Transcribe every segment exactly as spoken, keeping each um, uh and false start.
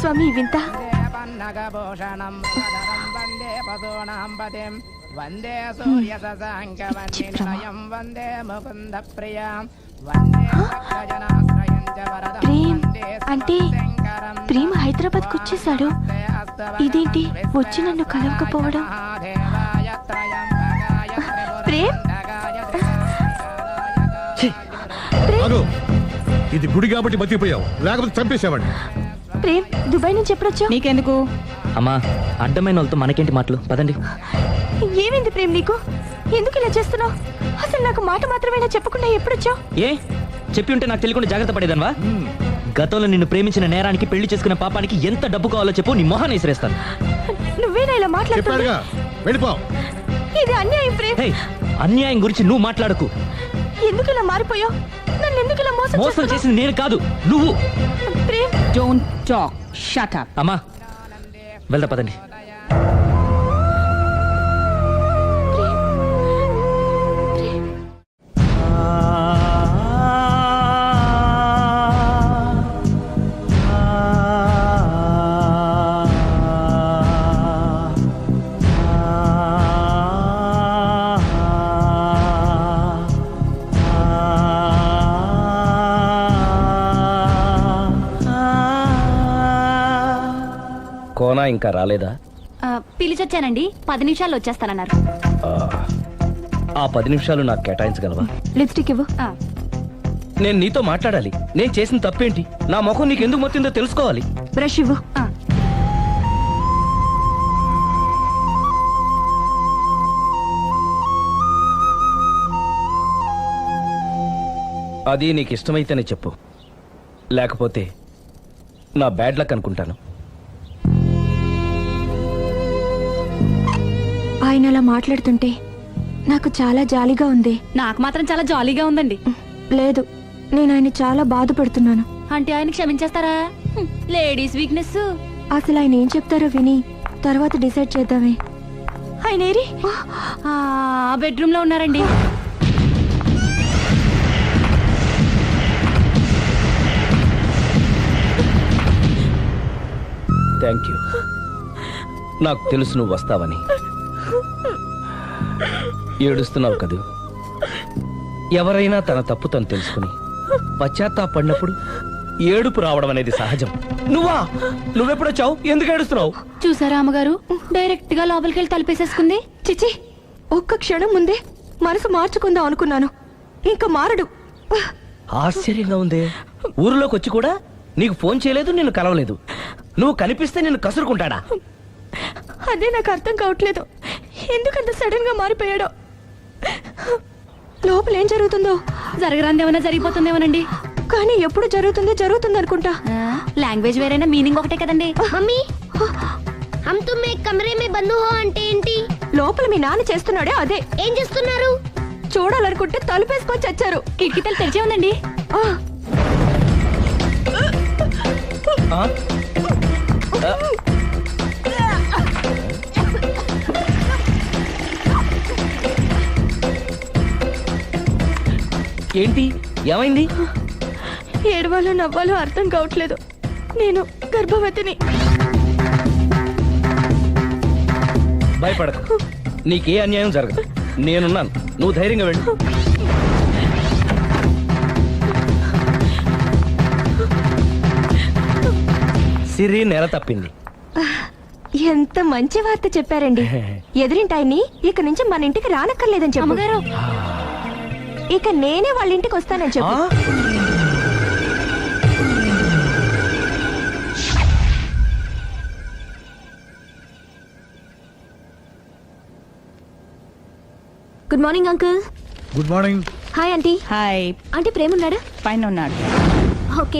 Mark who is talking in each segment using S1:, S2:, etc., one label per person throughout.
S1: స్వామి ఈ వింత?
S2: వందే సూర్య శశాంకవన్నిలయం వందే ముకుంద ప్రియాం
S1: ప్రేమ్ అంటే ప్రేమ హైదరాబాద్ కు వచ్చేసాడు. ఇదేంటి వచ్చి నన్ను కలవకపోవడం? ప్రేమ్
S3: ఇది గుడి కాబట్టి బతికిపోయావు, లేకపోతే చంపేసావండి.
S1: ప్రేమ్ దుబాయ్ నుంచి ఎప్పుడొచ్చావు?
S4: నీకెందుకు
S5: అమ్మా, అడ్డమైన వాళ్ళతో మనకేంటి మాటలు, పదండి.
S1: ఏమైంది ప్రేమ్ నీకు? ఎందుకు ఇలా చేస్తున్నావు? అసలు నాకు మాట మాత్రమేనా చెప్పకుండా ఎప్పుడొచ్చావు?
S5: ఏ చెప్పి ఉంటే నాకు తెలియకుండా జాగ్రత్త పడేదన్వా? గతంలో నిన్ను ప్రేమించిన నేరానికి, పెళ్లి చేసుకున్న పాపానికి ఎంత డబ్బు కావాలో చెప్పు, నీ మొహాన్ని విసిరేస్తాను.
S1: నువ్వేనా ఇలా మాట్లాడుతున్నావు?
S3: వెళ్ళిపో.
S1: ఇది అన్యాయం ప్రేమ్.
S5: అన్యాయం గురించి నువ్వు మాట్లాడకు.
S1: ఎందుకు ఇలా మారిపోయావు? నన్ను ఎందుకు ఇలా మోసం
S5: మోసం చేసింది నేను కాదు, నువ్వు.
S1: Prem
S4: don't talk, shut up.
S5: అమ్మా వెళ్దా పదండి.
S6: కోనా ఇంకా రాలేదా?
S1: పిలిచొచ్చానండి, పది నిమిషాల్లో వచ్చేస్తానన్నారు.
S6: ఆ పది నిమిషాలు నాకు కేటాయించగలవా?
S1: లిప్స్టిక్ ఇవ్వు.
S6: నేను నీతో మాట్లాడాలి. నేను చేసిన తప్పేంటి, నా ముఖం నీకు ఎందుకు మొత్తిందో తెలుసుకోవాలి.
S1: బ్రష్ ఇవ్వు.
S6: అది నీకు ఇష్టమైతేనే చెప్పు, లేకపోతే నా బ్యాడ్ లక్ అనుకుంటాను.
S1: ఆయన అలా మాట్లాడుతుంటే నాకు చాలా జాలీగా ఉంది.
S4: నాకు మాత్రం చాలా జాలీగా ఉందండి.
S1: లేదు, నేను ఆయన చాలా బాధపడుతున్నాను.
S4: అంటే ఆయన క్షమించేస్తారా? Ladies weakness.
S1: అసలు ఆయన ఏం చెప్తారో విని తర్వాత డిసైడ్ చేద్దామే. ఆయన ఏరి
S4: బెడ్రూమ్ లో ఉన్నారండి.
S6: Thank you. నాకు తెలుసు నువ్వు వస్తావని. ఏడుస్తున్నావు కదూ? ఎవరైనా తన తప్పు తను తెలుసుకుని పశ్చాత్తాపడినప్పుడు ఏడుపు రావడం అనేది సహజం. నువ్వా? నువ్వెప్పుడొచ్చావు? ఎందుకు ఏడుస్తున్నావు?
S4: చూసారా అమ్మగారు, డైరెక్ట్ గా లోపలికి వెళ్ళి తలుపేసేసుకుంది.
S1: చిచి, ఒక్క క్షణం ముందే మనసు మార్చుకుందాం అనుకున్నాను, ఇంకా మారడు.
S6: ఆశ్చర్యంగా ఉందే. ఊరిలోకి వచ్చి కూడా నీకు ఫోన్ చేయలేదు, నిన్ను కలవలేదు. నువ్వు కనిపిస్తే నిన్ను కసురుకుంటాడా?
S1: అదే నాకు అర్థం కావట్లేదు, ఎందుకంత సడన్ గా మారిపోయాడో. లోపల ఏం జరుగుతుందో?
S4: జరగరాందేమన్నా జరిగిపోతుందేమోనండి.
S1: కానీ ఎప్పుడు జరుగుతుందో జరుగుతుంది అనుకుంటా.
S4: లాంగ్వేజ్ వేరైనా మీనింగ్ ఒకటే కదండి.
S7: మమ్మీ, హమ్ తుమ్ ఏక్ కమరే మే బంద్ హో అంటే ఏంటి?
S1: లోపల మీ నాన్న చేస్తున్నాడే అదే.
S7: ఏం చేస్తున్నారు?
S1: చూడాలనుకుంటే తలుపేసుకొని చచ్చారు.
S4: కిటికీ తలుపు తెరిచే ఉందండి.
S6: ఏంటి, ఏమైంది?
S1: ఏడవాలో నవ్వాలో అర్థం కావట్లేదు. నేను గర్భవతిని.
S6: భయపడకు, నీకే అన్యాయం జరగదు. నేనున్నాను, నువ్వు ధైర్యంగా వెళ్ళు. సిరి నెల తప్పింది.
S1: ఎంత మంచి వార్త చెప్పారండి. ఎదురింటాయని ఇక నుంచి మన ఇంటికి రానక్కర్లేదని చెప్పారు. ఇక నేనే వాళ్ళ ఇంటికి వస్తానని చెప్పు. Good morning uncle.
S3: Good morning.
S1: Hi aunty.
S4: Hi.
S1: Aunty Prema ఉన్నాడా?
S4: పైన ఉన్నాడు.
S1: ఓకే.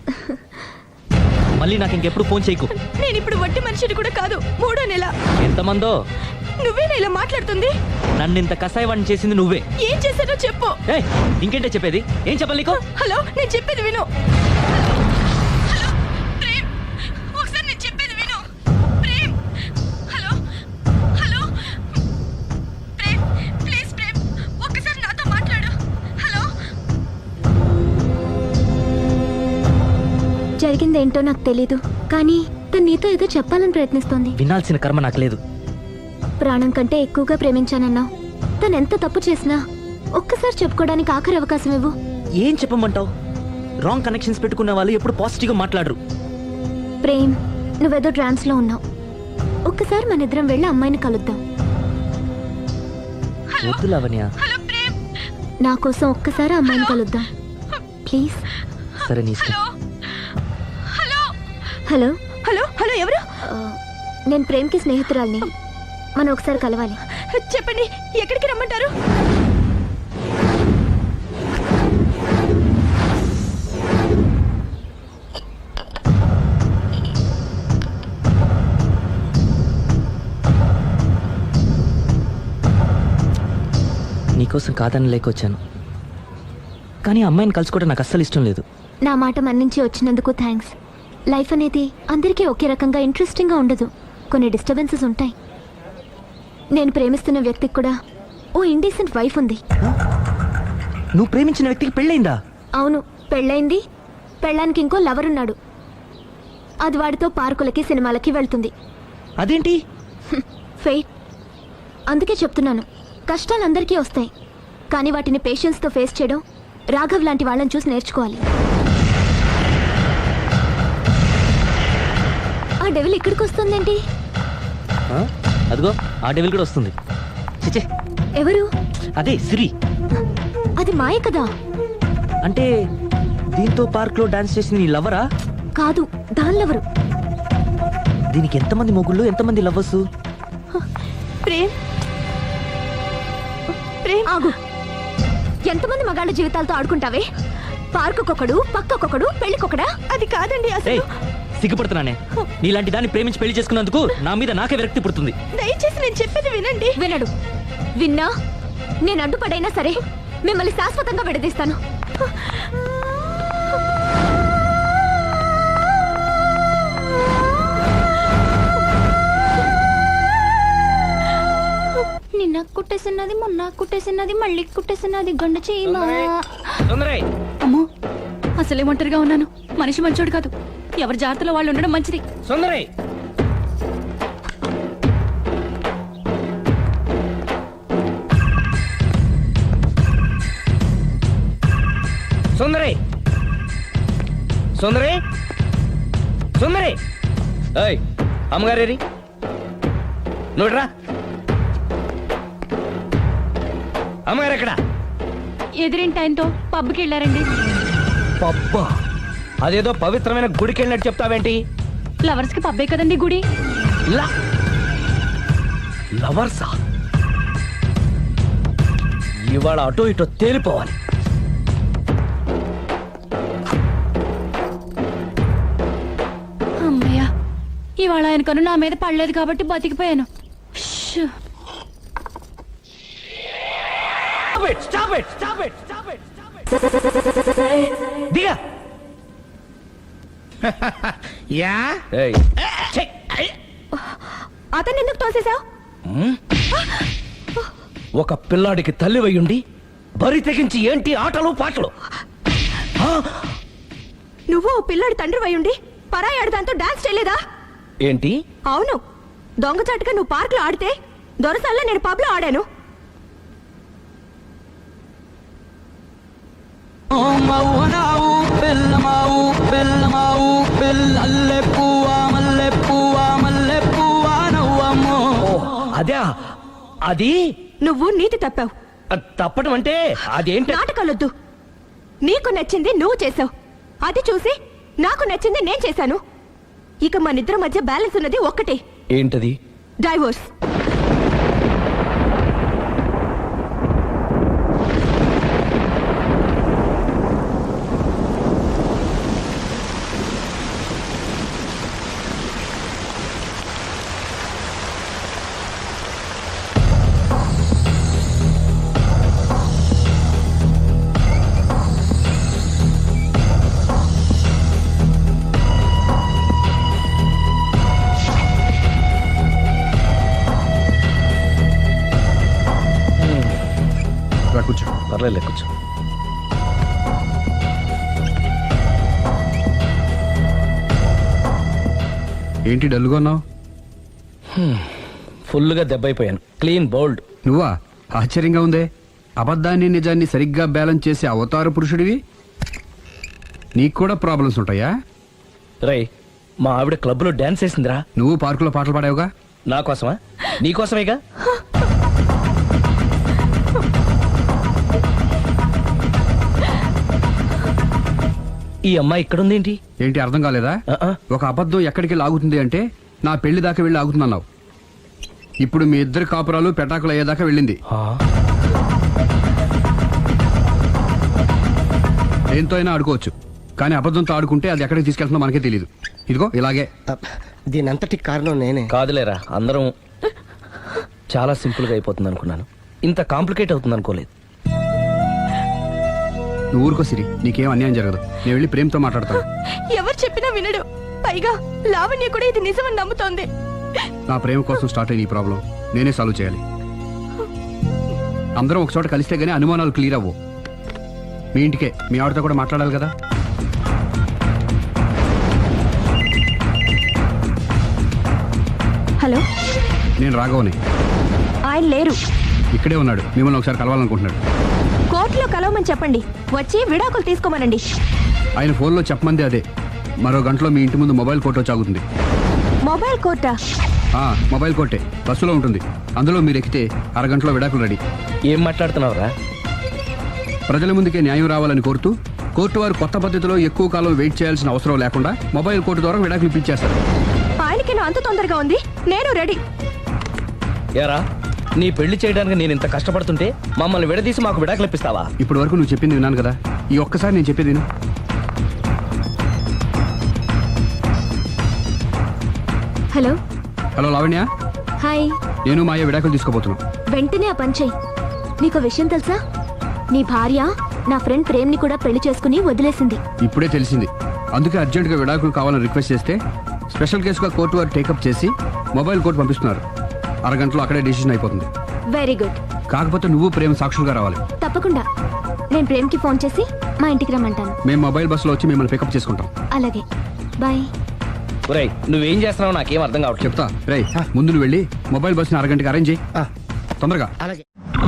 S5: మళ్ళీ నాకు ఇంకెప్పుడు ఫోన్ చేయకు.
S1: నేను ఇప్పుడు వట్టి మనిషిని కూడా కాదు, మూడో నెల.
S5: ఎంతమందో?
S1: నువ్వేనా ఇలా మాట్లాడుతుంది?
S5: నన్ను ఇంత కసాయవాడిని చేసింది నువ్వే.
S1: ఏం చేశానో చెప్పు.
S5: ఏయ్, ఇంకేంటే చెప్పేది? ఏం చెప్పాలి నీకు?
S1: హలో, నేను చెప్పేది విను. హలో ప్రేమ్, ఒకసారి నేను చెప్పేది విను. Prem, hello hello Prem, please Prem, ఒక్కసారి నాతో మాట్లాడు. హలో.
S4: జరిగిందేంటో నాకు తెలీదు, కానీ తను నీతో ఏదో చెప్పాలని ప్రయత్నిస్తోంది.
S5: వినాల్సిన కర్మ నాకు లేదు.
S4: ప్రాణం కంటే ఎక్కువగా ప్రేమించానన్నావు. తను ఎంత తప్పు చేసినా ఒక్కసారి చెప్పుకోవడానికి ఆఖరి అవకాశం ఇవ్వు.
S5: ఏం చెప్పమంటావు? రాంగ్ కనెక్షన్స్ పెట్టుకున్న వాళ్ళు ఎప్పుడు పాజిటివ్గా మాట్లాడరు.
S4: ప్రేమ్, నువ్వేదో ట్రాన్స్ లో ఉన్నావు. ఒక్కసారి మన ఇద్దరం వెళ్ళి అమ్మాయిని కలుద్దాం.
S5: వద్దు లావణ్య.
S4: నా కోసం ఒక్కసారి అమ్మాయిని కలుద్దాం ప్లీజ్.
S5: సరే నీ ఇష్టం.
S4: హలో
S1: హలో హలో ఎవరు?
S4: ఆ, నేను ప్రేమ్కి స్నేహితురాల్ని. మనం ఒకసారి కలవాలి.
S1: చెప్పండి, ఎక్కడికి రమ్మంటారు?
S5: నీకోసం కాదని లేకొచ్చాను, కానీ అమ్మాయిని కలుసుకోవడం నాకు అస్సలు ఇష్టం లేదు.
S4: నా మాట మన్నించి వచ్చినందుకు థ్యాంక్స్. లైఫ్ అనేది అందరికీ ఒకే రకంగా ఇంట్రెస్టింగ్గా ఉండదు. కొన్ని డిస్టర్బెన్సెస్ ఉంటాయి. నేను ప్రేమిస్తున్న వ్యక్తికి కూడా ఓ ఇండీసెంట్ వైఫ్ ఉంది.
S5: నువ్వు ప్రేమించిన వ్యక్తికి పెళ్ళైందా?
S4: అవును, పెళ్ళైంది. పెళ్ళానికి ఇంకో లవర్ ఉన్నాడు. అది వాడితో పార్కులకి సినిమాలకి వెళ్తుంది.
S5: అదేంటి?
S4: ఫెయిట్. అందుకే చెప్తున్నాను, కష్టాలు అందరికీ వస్తాయి, కానీ వాటిని పేషెన్స్తో ఫేస్ చేయడం రాఘవ్ లాంటి వాళ్ళని చూసి నేర్చుకోవాలి. ఆ డెవిల్ ఇక్కడికి వస్తుందేంటి?
S5: ఆ? అదిగో ఆ డెవిల్ కూడా వస్తుంది. చిచ్చే,
S4: ఎవరు?
S5: అదే సిరి.
S4: అది మాయ కదా.
S5: అంటే దీంతో పార్క్ లో డాన్స్ చేసిన నీ లవరా?
S4: కాదు, దానిలెవరు?
S5: దీనికి ఎంతమంది మొగుళ్ళు, ఎంతమంది లవ్వర్స్?
S1: ప్రేమ్ ప్రేమ్
S4: ఆగు. ఎంతమంది మగాళ్ళ జీవితాలతో ఆడుకుంటావే? పార్కుకొకడు, పక్కకొకడు, పెళ్లికొకడా?
S1: అది కాదండి
S5: ఏయ్,
S1: అసలు.
S5: సిగ్గుపడుతున్నానే. నీలాంటి దాన్ని ప్రేమించి పెళ్లి చేసుకున్నందుకు నా మీద నాకే విరక్తి పుడుతుంది.
S1: దయచేసి నేను చెప్పేది వినండి.
S4: వినడు. విన్నా నేను అడ్డుపడైనా సరే మిమ్మల్ని శాశ్వతంగా విడదీస్తాను. నిన్న కుట్టేసినది, మొన్న కుట్టేసినది, మళ్ళీ కుట్టేసినది గండ చేయమా.
S6: సుందరై,
S4: అమ్మో, అసలే ఒంటరిగా ఉన్నాను. మనిషి మంచోడు కాదు. ఎవరి జాగ్రత్తలో వాళ్ళు ఉండడం మంచిది.
S6: సుందరై, సుందరై, సుందరై, సుందరై. ఏయ్, అమ్మగారేరి నువ్వురా. అమ్మగారు ఎక్కడ?
S4: ఎదిరింటి ఆయనతో పబ్కి వెళ్ళారండి.
S6: పబ్బా, అదేదో పవిత్రమైన గుడికి వెళ్ళినట్టు చెప్తావేంటి?
S4: లవర్స్ కి పబ్బే కదండి గుడి.
S6: లా లవర్సా? ఇవాళ అటో ఇటో తేలిపోవాలి.
S4: అమ్మయ్య, ఇవాళ ఆయన కను నా మీద పడలేదు కాబట్టి బతికిపోయాను. షూ.
S6: Stop it! Stop it! Stop it! Stop it! Stop it! దిగా.
S2: యా
S6: ఏయ్, ఛీ!
S1: అతను ఎందుకు తోసేశావు?
S6: హ్మ్? ఒక పిల్లాడికి తల్లివయ్యుండి బరి తెగించి ఏంటి ఆటలు పాటలు? ఆ?
S1: నువ్వు ఓ పిల్లాడి తండ్రి అయ్యుండి పరాయాడు దాంతో డాన్స్ చేయలేదా?
S6: ఏంటి?
S1: అవును, దొంగచాటుగా నువ్వు పార్క్ లో ఆడితే దొరసాల్లో నేను పబ్ లో ఆడాను.
S6: ఓ, అదే అది.
S1: నువ్వు నీతి తప్పావు.
S6: తప్పడం అంటే అదేంటి?
S1: నాటకాలొద్దు. నీకు నచ్చింది నువ్వు చేసావు, అది చూసి నాకు నచ్చింది నేను చేశాను. ఇక మనిద్దరి మధ్య బ్యాలెన్స్ ఉన్నది ఒక్కటే,
S6: ఏంటది?
S1: డైవోర్స్.
S3: రా కూర్చో.
S6: పర్లేదు, కూర్చో.
S8: ఏంటి డల్గా ఉన్నావు?
S6: ఫుల్గా దెబ్బైపోయాను. Clean bowled.
S8: నువ్వా? ఆశ్చర్యంగా ఉందే. అబద్ధాన్ని నిజాన్ని సరిగ్గా బ్యాలెన్స్ చేసే అవతార పురుషుడివి. నీకు కూడా ప్రాబ్లమ్స్ ఉంటాయా?
S6: రై, మా ఆవిడ క్లబ్లో డాన్స్ వేసిందిరా.
S8: నువ్వు పార్కులో పాటలు పాడావుగా.
S6: నా కోసమా? నీ కోసమేగా. ఈ అమ్మాయి ఇక్కడుందేంటి?
S8: ఏంటి అర్థం కాలేదా?
S6: ఆ-ఆ.
S8: ఒక అబద్ధం ఎక్కడికి లాగుతుంది అంటే నా పెళ్లి దాకా వెళ్ళి ఆగుతుందన్నావు. ఇప్పుడు మీ ఇద్దరు కాపురాలు పెటాకులు అయ్యేదాకా వెళ్ళింది.
S6: ఆ?
S8: దేంతో అయినా ఆడుకోవచ్చు, కానీ అబద్ధంతో ఆడుకుంటే అది ఎక్కడికి తీసుకెళ్తుందో మనకే తెలియదు. ఇదిగో ఇలాగే.
S9: దీనంతటి కారణం నేనే.
S6: కాదులేరా, అందరం చాలా సింపుల్గా అయిపోతుంది అనుకున్నాను. ఇంత కాంప్లికేట్ అవుతుంది అనుకోలేదు.
S8: నువ్వు ఊరుకో సిరి, నీకేం అన్యాయం జరగదు. నేను వెళ్ళి ప్రేమతో మాట్లాడతాను.
S1: ఎవరు చెప్పినా వినడు. పైగా లావణ్య కూడా ఇది నిజమని నమ్ముతోంది.
S8: నా ప్రేమ కోసం స్టార్ట్ అయిన ఈ ప్రాబ్లం నేనే సాల్వ్ చేయాలి. అందరం ఒక చోట కలిస్తే గానీ అనుమానాలు క్లియర్ అవ్వు. మీ ఇంటికే, మీ ఆవిడతో కూడా మాట్లాడాలి కదా.
S1: హలో,
S8: నేను రాఘవని.
S1: ఆయన లేరు.
S8: ఇక్కడే ఉన్నాడు, మిమ్మల్ని ఒకసారి కలవాలనుకుంటున్నాడు.
S1: కోర్టులో కలవమని చెప్పండి, వచ్చి విడాకులు తీసుకోమనండి.
S8: ఆయన ఫోన్లో చెప్పమంది అదే. మరో గంటలో మీ ఇంటి ముందు మొబైల్ కోర్టు వచ్చి ఆగుతుంది.
S1: మొబైల్ కోర్టా?
S8: ఆ, మొబైల్ కోర్టే బస్సులో ఉంటుంది. అందులో మీరు ఎక్కితే అరగంటలో విడాకులు రెడీ.
S6: ఏం మాట్లాడుతున్నావురా?
S8: ప్రజల ముందుకే న్యాయం రావాలని కోరుతూ కోర్టు వారు కొత్త పద్ధతిలో ఎక్కువ కాలం వెయిట్ చేయాల్సిన అవసరం లేకుండా మొబైల్ కోర్టు ద్వారా విడాకులు ఇప్పించేస్తారు.
S1: ఆయనకి నా అంత తొందరగా ఉంది, నేను రెడీ.
S6: యారా, నీ పెళ్లి చేయడానికి నేను ఇంత కష్టపడుతుంటే మమ్మల్ని విడదీసి మాకు విడాకులు ఇప్పిస్తావా?
S8: ఇప్పటి వరకు నువ్వు చెప్పింది విన్నాను కదా, ఈ ఒక్కసారి నేను చెప్పేది విను.
S4: హలో.
S8: Hello Lavanya,
S4: hi.
S8: నేను మాయ విడాకులు తీసుకోబోతున్నాను.
S4: వెంటనే ఆ పని చెయ్యి. నీకు విషయం తెలుసా? నీ భార్య నా ఫ్రెండ్ ప్రేమ్ని కూడా పెళ్లి చేసుకుని వదిలేసింది.
S8: ఇప్పుడే తెలిసింది. అందుకే అర్జెంటుగా విడాకులు కావాలని రిక్వెస్ట్ చేస్తే స్పెషల్ కేసుగా కోర్టు వారు టేకప్ చేసి మొబైల్ కోర్టు పంపిస్తున్నారు. అరగంటలో అక్కడే డిసిషన్ అయిపోతుంది.
S4: Very good.
S8: కాకపోతే నువ్వు ప్రేమ సాక్షులుగా రావాలి.
S4: తప్పకుండా. నేను ప్రేమ్కి ఫోన్ చేసి మా ఇంటికి రమ్మంటాను.
S8: మేము మొబైల్ బస్సులో వచ్చి మిమ్మల్ని పికప్ చేసుకుంటాం.
S4: అలాగే, బాయ్.
S6: ఒరేయ్, నువ్వేం చేస్తున్నావు నాకేం అర్థం కావట్లేదు.
S8: చెప్తా. రేయ్, ముందు నువ్వు వెళ్ళి మొబైల్ బస్సుని అరగంటకి అరేంజ్ చేయి. తొందరగా.
S9: అలాగే.